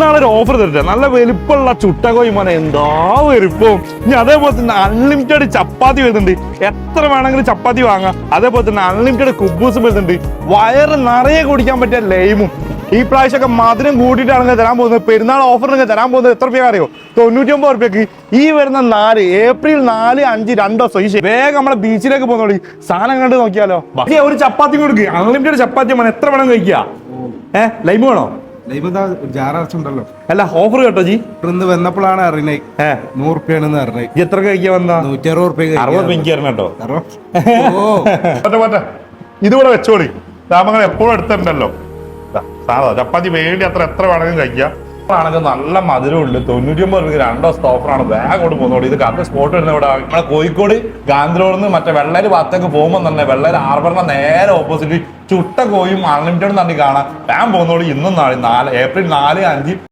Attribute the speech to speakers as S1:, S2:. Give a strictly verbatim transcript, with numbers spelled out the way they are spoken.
S1: പെരുന്നാളൊരു offer തരട്ടെ. നല്ല വലിപ്പമുള്ള ചുട്ടകോയി മോനെ, എന്താ വലിപ്പം. ഇനി അതേപോലെ തന്നെ അൺലിമിറ്റഡ് ചപ്പാത്തി വരുന്നുണ്ട്. എത്ര വേണമെങ്കിലും ചപ്പാത്തി വാങ്ങാം. അതേപോലെ തന്നെ അൺലിമിറ്റഡ് കുബൂസ് വരുന്നുണ്ട്. വയറ് നിറയെ കുടിക്കാൻ പറ്റിയ ലൈമും. ഈ പ്രാവശ്യമൊക്കെ മധുരം കൂട്ടിയിട്ടാണെങ്കിൽ തരാൻ പോകുന്നത്. പെരുന്നാൾ ഓഫറിനൊക്കെ തരാൻ പോകുന്നത് എത്ര രൂപ അറിയോ? തൊണ്ണൂറ്റി ഒമ്പത് റുപ്യക്ക്. ഈ വരുന്ന നാല് ഏപ്രിൽ നാല് അഞ്ച് രണ്ട് ദിവസം ഈ വേഗം നമ്മളെ ബീച്ചിലേക്ക് പോകുന്നോളി. സാധനം കണ്ട് നോക്കിയാലോ. ഒരു ചപ്പാത്തി കൊടുക്കുക, അൺലിമിറ്റഡ് ചപ്പാത്തി വേണം. എത്ര വേണം കഴിക്കുക? ഏഹ് ലൈമ് വേണോ?
S2: ജാറുണ്ടല്ലോ.
S1: അല്ല ഓഫർ കേട്ടോ ജി.
S2: ഇന്ന് വന്നപ്പോഴാണ് അറിയണേ നൂറ് റുപ്യാണെന്ന് അറിഞ്ഞേ.
S1: എത്ര കഴിക്കാൻ വന്നാ?
S2: നൂറ്റി അറുപത് റുപ്യ.
S1: അറുപത് റുപ്യ എനിക്ക് തരണം കേട്ടോ. ഇതുകൂടെ വെച്ചോളി. താമങ്ങൾ എപ്പോഴും എടുത്തിട്ടുണ്ടല്ലോ. സാധാ ചപ്പാത്തി വേണ്ടി അത്ര എത്ര വേണമെങ്കിലും കഴിക്കാം. ആണെങ്കിൽ നല്ല മധുരമുണ്ട്. തൊണ്ണൂറ്റി ഒമ്പത് രൂപ രണ്ടോ ഓഫറാണ്. ബാഗ് കൊണ്ട് പോകുന്നോളൂ. ഇത് കറക്റ്റ് സ്പോട്ട് വരുന്ന ഇവിടെ നമ്മളെ കോഴിക്കോട് ഗാന്ധിറോഡിൽ നിന്ന് മറ്റേ വെള്ളേര് ഭാഗത്തേക്ക് പോകുമ്പോൾ തന്നെ വെള്ളേര് ഹാർബറിന്റെ നേരെ ഓപ്പോസിറ്റ് ചുട്ട കോയും അൺലിമിറ്റഡ് തന്നെ കാണാം. ഞാൻ പോകുന്നോളൂ. ഇന്നും നാളെ നാല് ഏപ്രിൽ നാല് അഞ്ച്